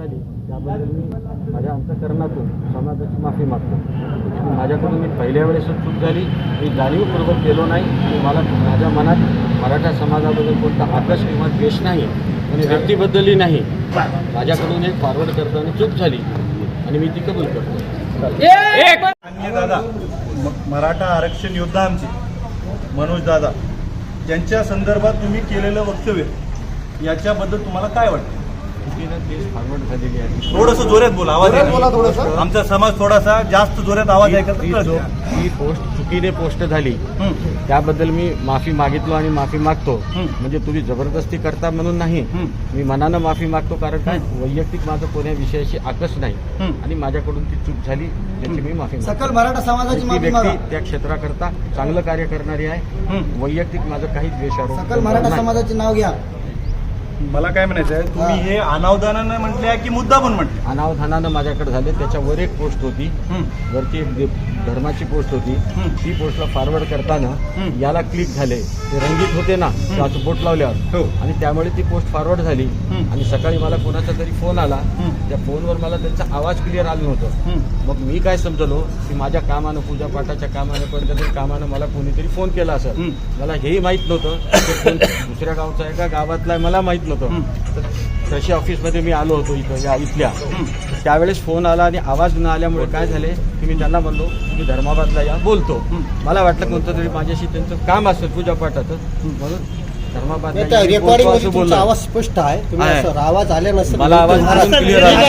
झाली त्याबद्दल मी माझ्या अंतःकरणातून समाजाची माफी मागतो. माझ्याकडून मी पहिल्या वेळेसच चूक झाली, मी जाणीवपूर्वक केलो नाही आणि मला माझ्या मनात मराठा समाजाबद्दल कोणता आकर्ष किंवा द्वेष नाही आणि व्यक्तीबद्दलही नाही. माझ्याकडून एक फॉरवर्ड करताना चूक झाली आणि मी ती कबूल करतो. अन्य दादा मराठा आरक्षण योद्धा आमचे मनोज दादा यांच्या संदर्भात तुम्ही केलेलं वक्तव्य याच्याबद्दल तुम्हाला काय वाटतं? चुकीनं केस फॉरवर्ड झालेली आहे. थोडंसं जोरात बोला, आवाज थोडंसं. आमचा समाज थोडासा जास्त जोरात आवाज ऐकत ही पोस्ट चुकीने पोस्ट झाली त्याबद्दल मी माफी मागितलो आणि माफी मागतो. म्हणजे तुम्ही जबरदस्ती करता म्हणून नाही, मी मनानं माफी मागतो. कारण काय वैयक्तिक माझं कोण्या विषयाशी आकर्ष नाही आणि माझ्याकडून ती चूक झाली त्याची मी माफी मागतो. सकल मराठा समाजाची माफी व्यक्ती मागा. त्या क्षेत्राकरता चांगलं कार्य करणारी आहे. वैयक्तिक माझं काही द्वेषारोप सकल मराठा समाजाचे नाव घ्या. मला काय म्हणायचं आहे, तुम्ही हे अनावधानानं म्हटले की मुद्दा पण म्हटले? अनावधानानं माझ्याकडे झाले. त्याच्यावर एक पोस्ट होती, वरती एक धर्माची पोस्ट होती. ती पोस्टला फॉरवर्ड करताना याला क्लिक झाले, ते रंगीत होते ना असं बोट लावल्यावर, आणि त्यामुळे ती पोस्ट फॉरवर्ड झाली. आणि सकाळी मला कोणाचा तरी फोन आला, त्या फोनवर मला त्यांचा आवाज क्लिअर आला नव्हतं. मग मी काय समजलो की माझ्या कामानं, पूजापाठाच्या कामानं, कोणत्या तरी कामानं मला कोणीतरी फोन केला असेल. मला हेही माहीत नव्हतं की फोन दुसऱ्या गावचा आहे का गावातला आहे मला माहीत नव्हतं. कृषी ऑफिसमध्ये मी आलो होतो इथल्या. त्यावेळेस फोन आला आणि आवाज न आल्यामुळे काय झाले की मी त्यांना म्हणलो मी धर्माबादला या बोलतो. मला वाटलं कोणतं तरी माझ्याशी त्यांचं काम असेल पूजापाठाचं, म्हणून धर्माबादला रेकॉर्डिंग मध्ये तुमचा आवाज स्पष्ट आहे. तुम्ही असं आवाज आले नसेल, मला आवाज क्लिअर आला.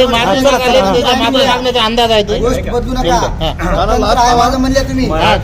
अंदाज आहे ते गोष्ट बदलू नका. आवाज म्हणले तुम्ही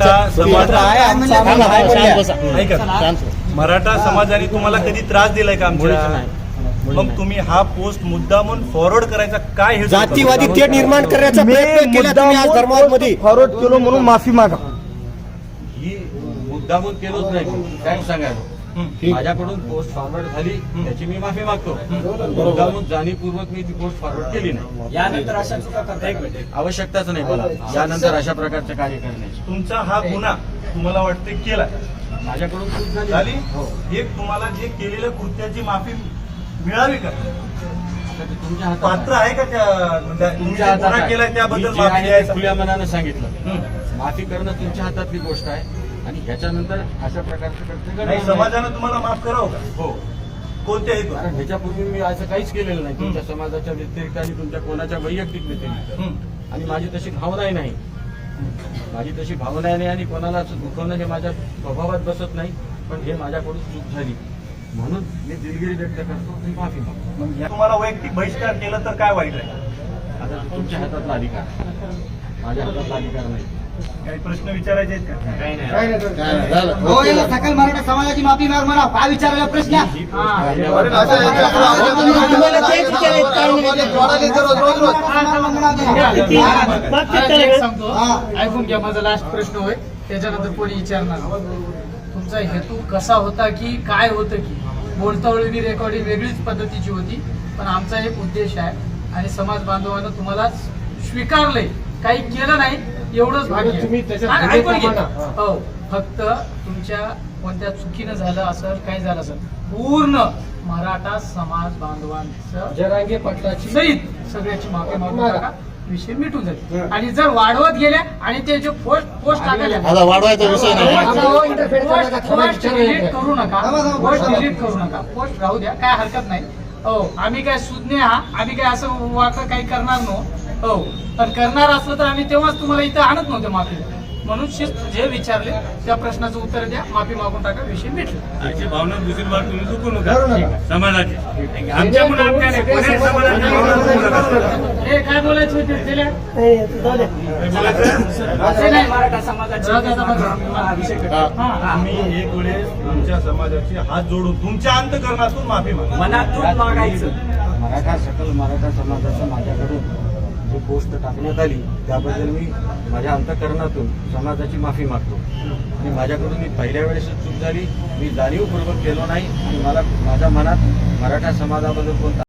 मराठा समाजाने तुम्हाला कधी त्रास दिलाय का आमच्या? नाही. मग तुम्ही हा पोस्ट मुद्दामून फॉरवर्ड करायचा काय हे जातीवादी ते निर्माण करण्याचा प्रयत्न केला तुम्ही आज धर्मामध्ये. फॉरवर्ड केलो म्हणून माफी मागा. ही मुद्दामून केलोच नाही. काय सांगायला माझ्याकडून पोस्ट फॉरवर्ड झाली त्याची मी माफी मागतो. मुद्दामून जाणीवपूर्वक मी ती पोस्ट फॉरवर्ड केली नाही. यानंतर अशा चुका करता आवश्यकताच नाही मला यानंतर अशा प्रकारचे कार्य करण्याची. तुमचा हा गुन्हा तुम्हाला वाटते केला माझ्याकडून चूक झाली, हो. एक तुम्हाला जे केलेल्या कृत्याची माफी मिळावी का? तुमच्या हातात पात्र आहे का तुमच्या हातात गुन्हा आहे. केलाय त्याबद्दल मी जे माफी आहे ते द्यायचं? खुल्या मनानं सांगितलं. माफी करणं तुमच्या हातातली गोष्ट आहे आणि ह्याच्यानंतर अशा प्रकारचं कृत्य घडणार नाही, नाही. समाजानं तुम्हाला माफ करावं का? हो. कोणत्या हेतू? कारण ह्याच्यापूर्वी मी असं काहीच केलेलं नाही तुमच्या समाजाच्या व्यतिरिक्त आणि तुमच्या कोणाच्या वैयक्तिक व्यतिरिक्त. आणि माझी तशी भावनाही नाही. माझी तशी भावना नाही आणि कोणाला दुखवणं हे माझ्या स्वभावात बसत नाही. पण हे माझ्याकडून चूक झाली म्हणून मी दिलगिरी व्यक्त करतो आणि माफी मागतो. मग या तुम्हाला वैयक्तिक बहिष्कार केला तर काय वाईट आहे? आता तुमच्या हातातला अधिकार, माझ्या हातातला अधिकार नाही. काही प्रश्न विचारायचे आहेत का? काही नाही. हो, याला सकल मराठा समाजाची माफी माग म्हणा. काय विचारायला प्रश्न? ऐकून घ्या, माझा लास्ट प्रश्न होय, त्याच्यानंतर कोणी विचारणार. तुमचा हेतू कसा होता की काय होतं की बोलतावळी रेकॉर्डिंग वेगळीच पद्धतीची होती, पण आमचा एक उद्देश आहे आणि समाज बांधवांना तुम्हाला स्वीकारलंय, काही केलं नाही एवढंच भाग्य. ऐकून घ्या. हो, फक्त तुमच्या कोणत्या चुकीनं झालं असेल, काही झालं असेल, पूर्ण मराठा समाज बांधवांचं जरांगे पाटलाची सहित सगळ्याची माफी मागून टाका, विषय मिटून जाईल. आणि जर वाढवत गेल्या आणि ते जे पोस्ट टाकल्या वाढवायचा विषय नाही. पोस्ट डिलीट करू नका, पोस्ट डिलीट करू नका, पोस्ट राहू द्या, काय हरकत नाही. हो, आम्ही काय सुज्ञ आम्ही काय असं वाटलं काही करणार नव्हतो. हो, पण करणार असलं तर आम्ही तेव्हाच तुम्हाला इथं आणत नव्हते माफी. म्हणून शिस्त जे विचारले त्या प्रश्नाचं उत्तर द्या, माफी मागून टाका, विषय मिटला. अशी भावना दुसरी बार तुम्ही चुकू नका समाजाची. आमच्याकडून आमच्या नाही, कोणी समाजाची हे काय बोलायचं होते त्याला? मराठा समाजाची आम्ही एक वेळेस तुमच्या समाजाची हात जोडून तुमच्या अंतःकरणातून माफी मागा. मनातून मागायचं. सकल मराठा समाजाचं माझ्याकडून जी पोस्ट टाकण्यात आली त्याबद्दल मी माझ्या अंतःकरणातून समाजाची माफी मागतो. आणि माझ्याकडून मी पहिल्या वेळेस चूक झाली, मी जाणीवपूर्वक केलो नाही आणि मला माझ्या मनात मराठा समाजाबद्दल कोणता